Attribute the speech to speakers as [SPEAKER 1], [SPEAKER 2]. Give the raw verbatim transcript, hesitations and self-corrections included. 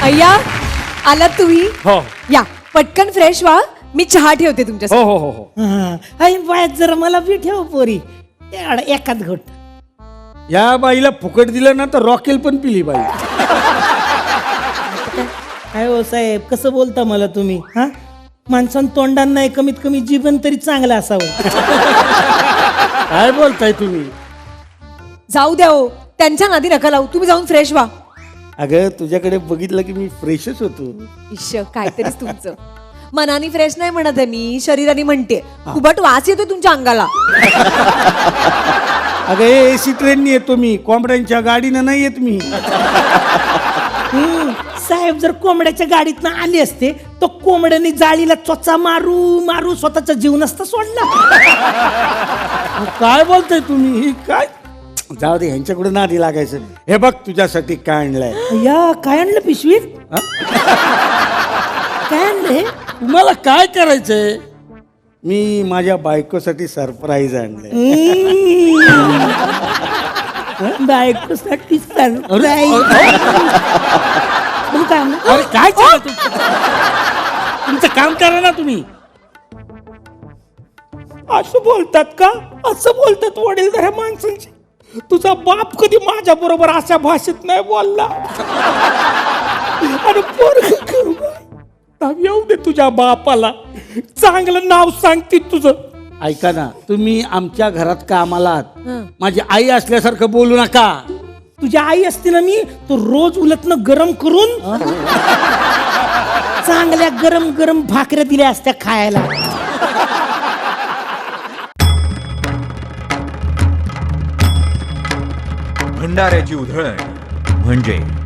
[SPEAKER 1] अय्या आलात तुम्ही
[SPEAKER 2] हो
[SPEAKER 1] या पटकन फ्रेश व्हा मी चहा ठेवते तुमच्या
[SPEAKER 2] हो हो हो हो
[SPEAKER 3] आई बाय जरा मला बी ठेव पोरी एवढा एकाच घोट.
[SPEAKER 2] या बाईला फुकट दिलं ना तर रॉकेल पण पिली बाई.
[SPEAKER 3] काय हो साहेब कसं बोलता मला तुम्ही हा माणसानं तोंडांना नाही कमीत कमी जीवन तरी चांगलं असावं.
[SPEAKER 2] काय बोलताय तुम्ही?
[SPEAKER 1] जाऊ द्या हो त्यांच्या नादी नका लावू तुम्ही जाऊन फ्रेश व्हा.
[SPEAKER 2] अगं तुझ्याकडे बघितलं की मी फ्रेशच होतो.
[SPEAKER 1] इश्श काहीतरीच तुमचं. मनाने फ्रेश नाही म्हणत आहे मी शरीराने म्हणते. खूपट वास येतोय तुमच्या अंगाला.
[SPEAKER 2] अगं एसी ट्रेननी येतो मी कोंबड्यांच्या गाडीनं नाही येत मी.
[SPEAKER 3] हम्म, साहेब जर कोंबड्याच्या गाडीतनं आले असते तर कोंबड्याने जाळीला चोचा मारू मारू स्वतःचा जीव नसता सोडला.
[SPEAKER 2] काय बोलताय तुम्ही? ही काय जाऊ दे ह्यांच्याकडे नादी लागायचं. हे बघ तुझ्यासाठी काय आणलंय.
[SPEAKER 3] या काय आणलं पिशवीत? काय आणलंय?
[SPEAKER 2] तुम्हाला काय करायचंय? मी माझ्या बायकोसाठी सरप्राईज आणलंय.
[SPEAKER 3] बायकोसाठी सरप्राईज. मग काय आणलं?
[SPEAKER 2] अरे काय चाललं तुमचं? तुमचं काम करा ना तुम्ही.
[SPEAKER 3] असं बोलतात का? असं बोलतात वडीलधाऱ्या माणसांची. तुझा बाप कधी माझ्या बरोबर अशा भाषेत नाही बोलला. आणि पोरगं नाव येऊ दे तुझ्या बापाला चांगलं नाव सांगते तुझं.
[SPEAKER 2] ऐका ना तुम्ही आमच्या घरात कामाला आहात.
[SPEAKER 1] हं.
[SPEAKER 2] माझी आई असल्यासारखं बोलू नका.
[SPEAKER 3] तुझ्या आई असते ना मी तो रोज उलटनं गरम करून चांगल्या गरम गरम भाकऱ्या दिल्या असत्या खायला.
[SPEAKER 4] भंडाऱ्याची उधळण म्हणजे